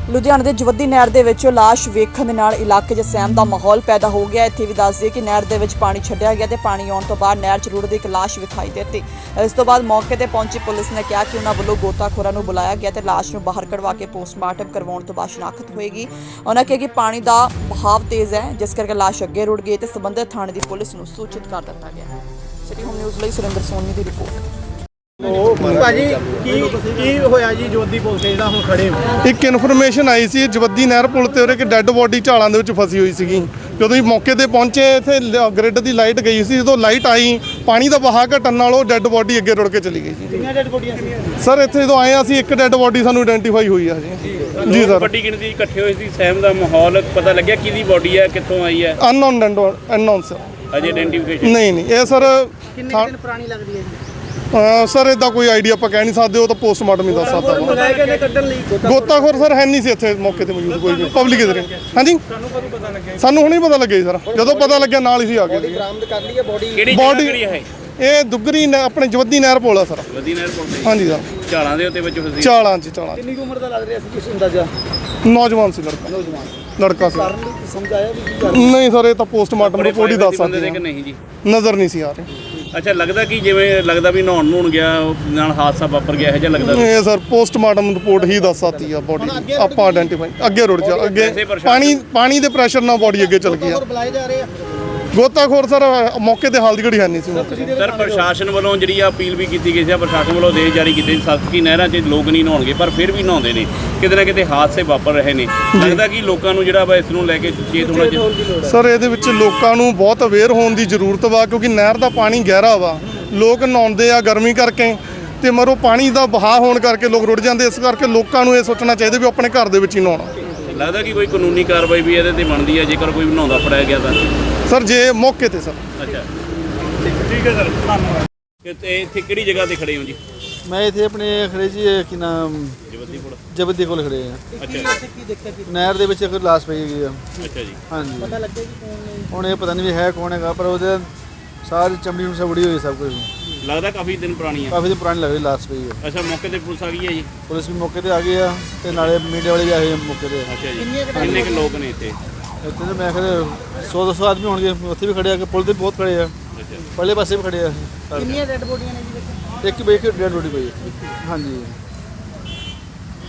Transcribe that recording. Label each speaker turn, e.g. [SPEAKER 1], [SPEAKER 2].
[SPEAKER 1] ਲੁਧਿਆਣਾ ਦੇ ਜਵੱਦੀ ਨਹਿਰ ਦੇ ਵਿੱਚੋਂ ਲਾਸ਼ ਵੇਖਣ ਦੇ ਨਾਲ ਇਲਾਕੇ 'ਚ ਸਹਿਮ ਦਾ ਮਾਹੌਲ ਪੈਦਾ ਹੋ ਗਿਆ। ਇੱਥੇ ਵੀ ਦੱਸ ਦਈਏ ਕਿ ਨਹਿਰ ਦੇ ਵਿੱਚ ਪਾਣੀ ਛੱਡਿਆ ਗਿਆ ਤੇ ਪਾਣੀ ਆਉਣ ਤੋਂ ਬਾਅਦ ਨਹਿਰ 'ਚ ਰੁੜਦੀ ਇੱਕ ਲਾਸ਼ ਵਿਖਾਈ ਦਿੱਤੀ। ਇਸ ਤੋਂ ਬਾਅਦ ਮੌਕੇ ਤੇ ਪਹੁੰਚੀ ਪੁਲਿਸ ਨੇ ਕਿਹਾ ਕਿ ਉਹਨਾਂ ਵੱਲੋਂ ਗੋਤਾਖੋਰਾਂ ਨੂੰ ਬੁਲਾਇਆ ਗਿਆ ਤੇ ਲਾਸ਼ ਨੂੰ ਬਾਹਰ ਕਢਵਾ ਕੇ ਪੋਸਟਮਾਰਟਮ ਕਰਵਾਉਣ ਤੋਂ ਬਾਅਦ ਸ਼ਨਾਖਤ ਹੋਏਗੀ। ਉਹਨਾਂ ਕਿਹਾ ਕਿ ਪਾਣੀ ਦਾ ਬਹਾਵ ਤੇਜ਼ ਹੈ, ਜਿਸ ਕਰਕੇ ਲਾਸ਼ ਅੱਗੇ ਰੁੜ ਗਈ ਤੇ ਸੰਬੰਧਿਤ ਥਾਣੇ ਦੀ ਪੁਲਿਸ ਨੂੰ ਸੂਚਿਤ ਕਰ ਦਿੱਤਾ ਗਿਆ। ਸਿਟੀ ਹੋਮ ਨਿਊਜ਼ ਲਈ ਸੁਰਿੰਦਰ ਸੋਨੀ ਦੀ ਰਿਪੋਰਟ।
[SPEAKER 2] ਭਾਜੀ ਕੀ ਹੋਇਆ ਜੀ ਜਵੱਦੀ ਪੁਲ ਤੇ ਜਿਹੜਾ ਹੁਣ ਖੜੇ ਹੋ?
[SPEAKER 3] ਇੱਕ ਇਨਫੋਰਮੇਸ਼ਨ ਆਈ ਸੀ ਜਵੱਦੀ ਨਹਿਰ ਪੁਲ ਤੇ ਉਰੇ ਇੱਕ ਡੈੱਡ ਬੋਡੀ ਝਾਲਾਂ ਦੇ ਵਿੱਚ ਫਸੀ ਹੋਈ ਸੀਗੀ। ਜਦੋਂ ਅਸੀਂ ਮੌਕੇ ਤੇ ਪਹੁੰਚੇ ਇੱਥੇ ਗ੍ਰਿਡ ਦੀ ਲਾਈਟ ਗਈ ਸੀ। ਜਦੋਂ ਲਾਈਟ ਆਈ ਪਾਣੀ ਦਾ ਵਹਾਅ ਘਟਣ ਨਾਲ ਉਹ ਡੈੱਡ ਬੋਡੀ ਅੱਗੇ ਰੁੜ ਕੇ ਚਲੀ ਗਈ ਜੀ।
[SPEAKER 2] ਕਿੰਨੀਆਂ ਡੈਡ ਬੋਡੀਆਂ ਸੀ
[SPEAKER 3] ਸਰ ਇੱਥੇ ਜਦੋਂ ਆਏ ਅਸੀਂ ਇੱਕ ਡੈੱਡ ਬੋਡੀ ਸਾਨੂੰ ਆਇਡੈਂਟੀਫਾਈ ਹੋਈ ਆ ਜੀ ਸਰ।
[SPEAKER 4] ਵੱਡੀ ਗਿਣਤੀ ਇਕੱਠੇ ਹੋਏ ਸੀ, ਸਹਿਮ ਦਾ ਮਾਹੌਲ ਪਤਾ ਲੱਗਿਆ ਕਿਹਦੀ ਬੋਡੀ ਹੈ, ਕਿੱਥੋਂ ਆਈ ਹੈ?
[SPEAKER 3] ਅਨਨੋਨ ਸਰ
[SPEAKER 4] ਅਜੇ ਆਇਡੈਂਟੀਫਿਕੇਸ਼ਨ
[SPEAKER 3] ਨਹੀਂ ਇਹ ਸਰ
[SPEAKER 2] ਕਿੰਨੇ ਦਿਨ ਪੁਰਾਣੀ ਲੱਗਦੀ ਹੈ ਜੀ?
[SPEAKER 3] ਸਰ ਇਦਾਂ ਕੋਈ ਆਈਡੀਆ ਆਪਾਂ ਕਹਿ ਨਹੀਂ ਸਕਦੇ, ਉਹ ਤਾਂ ਪੋਸਟਮਾਰਟਮ ਹੀ ਦੱਸ ਸਕਦਾ ਵਾ।
[SPEAKER 2] ਮੰਗਾਏ ਗਏ ਨੇ ਕੱਢਣ ਲਈ
[SPEAKER 3] ਗੋਤਾਖੋਰ ਸਰ ਹੈ ਨਹੀਂ ਸੀ ਇੱਥੇ ਮੌਕੇ ਤੇ ਮੌਜੂਦ ਕੋਈ ਵੀ ਪਬਲਿਕ ਇਧਰ। ਹਾਂਜੀ
[SPEAKER 2] ਸਾਨੂੰ ਕਦੋਂ ਪਤਾ ਲੱਗਿਆ?
[SPEAKER 3] ਸਾਨੂੰ ਹੁਣੇ ਪਤਾ ਲੱਗਿਆ ਜੀ ਸਰ, ਜਦੋਂ ਪਤਾ ਲੱਗਿਆ ਨਾਲ ਹੀ ਸੀ ਆ ਗਏ।
[SPEAKER 2] ਬਰਾਮਦ ਕਰ ਲਈ ਹੈ ਬੋਡੀ?
[SPEAKER 4] ਕਿਹੜੀ
[SPEAKER 3] Body-
[SPEAKER 4] ਜਗ੍ਹਾ ਕਰੀ ਹੈ?
[SPEAKER 3] ਇਹ ਦੁੱਗਰੀ ਆਪਣੇ ਜਵੱਦੀ ਨਹਿਰ ਪੁਲ ਆ ਸਰ।
[SPEAKER 4] ਜਵੱਦੀ ਨਹਿਰ ਪੁਲ ਤੇ
[SPEAKER 3] ਹਾਂਜੀ ਸਰ
[SPEAKER 4] ਝਾਲਾਂ ਦੇ ਉੱਤੇ ਵਿੱਚ ਫਸੀ।
[SPEAKER 3] ਚਾਲਾਂ
[SPEAKER 2] ਕਿੰਨੀ ਉਮਰ ਦਾ ਲੱਗ ਰਿਹਾ ਸੀ ਕੁਝ ਅੰਦਾਜ਼ਾ?
[SPEAKER 3] ਨੌਜਵਾਨ ਸੀ ਲੜਕਾ ਸੀ।
[SPEAKER 2] ਕਾਰਨ ਸਮਝ ਆਇਆ ਵੀ ਕੀ ਕਰ?
[SPEAKER 3] ਨਹੀਂ ਸਰ ਇਹ ਤਾਂ ਪੋਸਟਮਾਰਟਮ ਰਿਪੋਰਟ ਹੀ ਦੱਸ
[SPEAKER 4] ਬੰਦੇ
[SPEAKER 3] ਸਕਦੀ
[SPEAKER 4] ਦੇ ਕਿ
[SPEAKER 3] ਹੈ।
[SPEAKER 4] ਨਹੀਂ ਜੀ?
[SPEAKER 3] ਨਜ਼ਰ ਨਹੀਂ ਸੀ ਆ ਰਹੀ।
[SPEAKER 4] ਅੱਛਾ, ਲੱਗਦਾ ਕਿ ਜਿਵੇਂ ਲੱਗਦਾ ਵੀ ਨਹਾਉਣ ਗਿਆ ਉਹ ਨਾਲ ਹਾਦਸਾ ਵਾਪਰ ਗਿਆ, ਇਹੋ ਜਿਹਾ ਲੱਗਦਾ?
[SPEAKER 3] ਇਹ ਸਰ ਪੋਸਟਮਾਰਟਮ ਰਿਪੋਰਟ ਹੀ ਦੱਸ ਸਕਦੀ ਆ ਬੋਡੀ ਆਪਾਂ ਆਇਡੈਂਟੀਫਾਈ ਅੱਗੇ ਰੁੜ ਜਾ ਅੱਗੇ ਪਾਣੀ ਦੇ ਪ੍ਰੈਸ਼ਰ ਨਾਲ ਬੋਡੀ ਅੱਗੇ ਚਲ ਗਈ ਆ।
[SPEAKER 2] ਬੁਲਾਏ ਜਾ ਰਹੇ ਆ
[SPEAKER 3] ਗੋਤਾਖੋਰ ਸਰ ਮੌਕੇ ਤੇ ਹਾਲ ਦੀ ਘੜੀ ਹੈ ਨਹੀਂ ਸੀ।
[SPEAKER 4] ਸਰ ਪ੍ਰਸ਼ਾਸਨ ਵੱਲੋਂ ਜਿਹੜੀ ਆ ਅਪੀਲ ਵੀ ਕੀਤੀ ਗਈ ਸੀ, ਪ੍ਰਸ਼ਾਸਨ ਵੱਲੋਂ ਆਦੇਸ਼ ਜਾਰੀ ਕੀਤੇ ਸਖਤ ਕਿ ਨਹਿਰਾਂ 'ਚ ਲੋਕ ਨਹੀਂ ਨਹਾਉਣਗੇ, ਪਰ ਫਿਰ ਵੀ ਨਹਾਉਂਦੇ ਨੇ। ਕਿਤੇ ਨਾ ਕਿਤੇ ਹਾਦਸੇ ਵਾਪਰ ਰਹੇ ਨੇ। ਲੱਗਦਾ ਕਿ ਲੋਕਾਂ ਨੂੰ ਜਿਹੜਾ ਵਾ ਇਸ ਨੂੰ ਲੈ ਕੇ ਸੁਚੇਤ ਹੋਣਾ ਚਾਹੀਦਾ।
[SPEAKER 3] ਸਰ ਇਹਦੇ ਵਿੱਚ ਲੋਕਾਂ ਨੂੰ ਬਹੁਤ ਅਵੇਅਰ ਹੋਣ ਦੀ ਜ਼ਰੂਰਤ ਵਾ, ਕਿਉਂਕਿ ਨਹਿਰ ਦਾ ਪਾਣੀ ਗਹਿਰਾ ਵਾ। ਲੋਕ ਨਹਾਉਂਦੇ ਆ ਗਰਮੀ ਕਰਕੇ ਤੇ ਮਰੋ ਪਾਣੀ ਦਾ ਵਹਾਅ ਹੋਣ ਕਰਕੇ ਲੋਕ ਰੁੜ ਜਾਂਦੇ। ਇਸ ਕਰਕੇ ਲੋਕਾਂ ਨੂੰ ਇਹ ਸੋਚਣਾ ਚਾਹੀਦਾ ਵੀ ਆਪਣੇ ਘਰ ਦੇ ਵਿੱਚ ਹੀ ਨਹਾਉਣਾ।
[SPEAKER 4] ਲੱਗਦਾ ਕਿ ਕੋਈ ਕਾਨੂੰਨੀ ਕਾਰਵਾਈ ਵੀ ਇਹਦੇ ਤੇ ਬਣਦੀ ਹੈ ਜੇਕਰ ਕੋਈ ਨਹਾਉਂਦਾ ਫੜਿਆ ਗਿਆ ਤਾਂ?
[SPEAKER 3] ਸਰ ਜੇ ਮੌਕੇ ਤੇ ਸਰ।
[SPEAKER 4] ਅੱਛਾ ਠੀਕ ਹੈ ਸਰ, ਧੰਨਵਾਦ। ਤੇ ਇੱਥੇ ਕਿਹੜੀ ਜਗ੍ਹਾ ਤੇ ਖੜੇ ਹੋ ਜੀ?
[SPEAKER 5] ਮੈਂ ਇੱਥੇ ਆਪਣੇ ਖੜੇ ਜੀ ਕੀ ਨਾਮ
[SPEAKER 4] ਜਵੱਦੀ ਕੋਲ।
[SPEAKER 5] ਜਬਦੀ ਕੋਲ ਖੜੇ ਆ।
[SPEAKER 4] ਅੱਛਾ
[SPEAKER 2] ਕੀ ਦੇਖਿਆ ਕੀ
[SPEAKER 5] ਨਹਿਰ ਦੇ ਵਿੱਚ ਇੱਕ ਲਾਸ਼ ਪਈ ਹੈਗੀ ਆ।
[SPEAKER 4] ਅੱਛਾ ਜੀ।
[SPEAKER 5] ਹਾਂਜੀ
[SPEAKER 2] ਪਤਾ ਲੱਗਿਆ ਕਿ ਕੌਣ ਨੇ?
[SPEAKER 5] ਹੁਣ ਇਹ ਪਤਾ ਨਹੀਂ ਵੀ ਹੈ ਕੌਣ ਹੈਗਾ, ਪਰ ਉਹਦੇ ਸਾਰੀ ਚਮੜੀ ਨੂੰ ਸਬੜੀ ਹੋਈ ਸਭ ਕੁਝ।
[SPEAKER 4] ਲੱਗਦਾ ਕਾਫੀ ਦਿਨ ਪੁਰਾਣੀ ਹੈ।
[SPEAKER 5] ਕਾਫੀ ਦਿਨ ਪੁਰਾਣੀ ਲੱਗ ਰਹੀ ਲਾਸ਼ ਪਈ ਹੈ।
[SPEAKER 4] ਅੱਛਾ, ਮੌਕੇ ਤੇ ਪੁਲਿਸ ਆ ਗਈ ਹੈ ਜੀ?
[SPEAKER 5] ਪੁਲਿਸ ਵੀ ਮੌਕੇ ਤੇ ਆ ਗਈ ਆ ਤੇ ਨਾਲੇ ਮੀਡੀਆ ਵਾਲੇ ਵੀ ਆਏ ਆ ਮੌਕੇ ਤੇ।
[SPEAKER 4] ਅੱਛਾ ਜੀ, ਕਿੰਨੇ ਕੁ ਲੋਕ ਨੇ ਇੱਥੇ?
[SPEAKER 5] ਇੱਥੇ ਤਾਂ ਮੈਂ ਖੜੇ 100-200 ਆਦਮੀ ਹੋਣਗੇ। ਉੱਥੇ ਵੀ ਖੜੇ ਆ ਕਿ ਪੁਲ ਤੇ ਬਹੁਤ ਖੜੇ ਆ,
[SPEAKER 4] ਅੱਛਾ,
[SPEAKER 5] ਪਰਲੇ ਪਾਸੇ ਵੀ ਖੜੇ ਆ।
[SPEAKER 2] ਕਿੰਨੀਆਂ ਡੈਡ ਬੋਡੀਆਂ ਨੇ ਜੀ?
[SPEAKER 5] ਇੱਕ ਡੈਡ ਬੋਡੀ ਪਈ ਹੈ। ਹਾਂਜੀ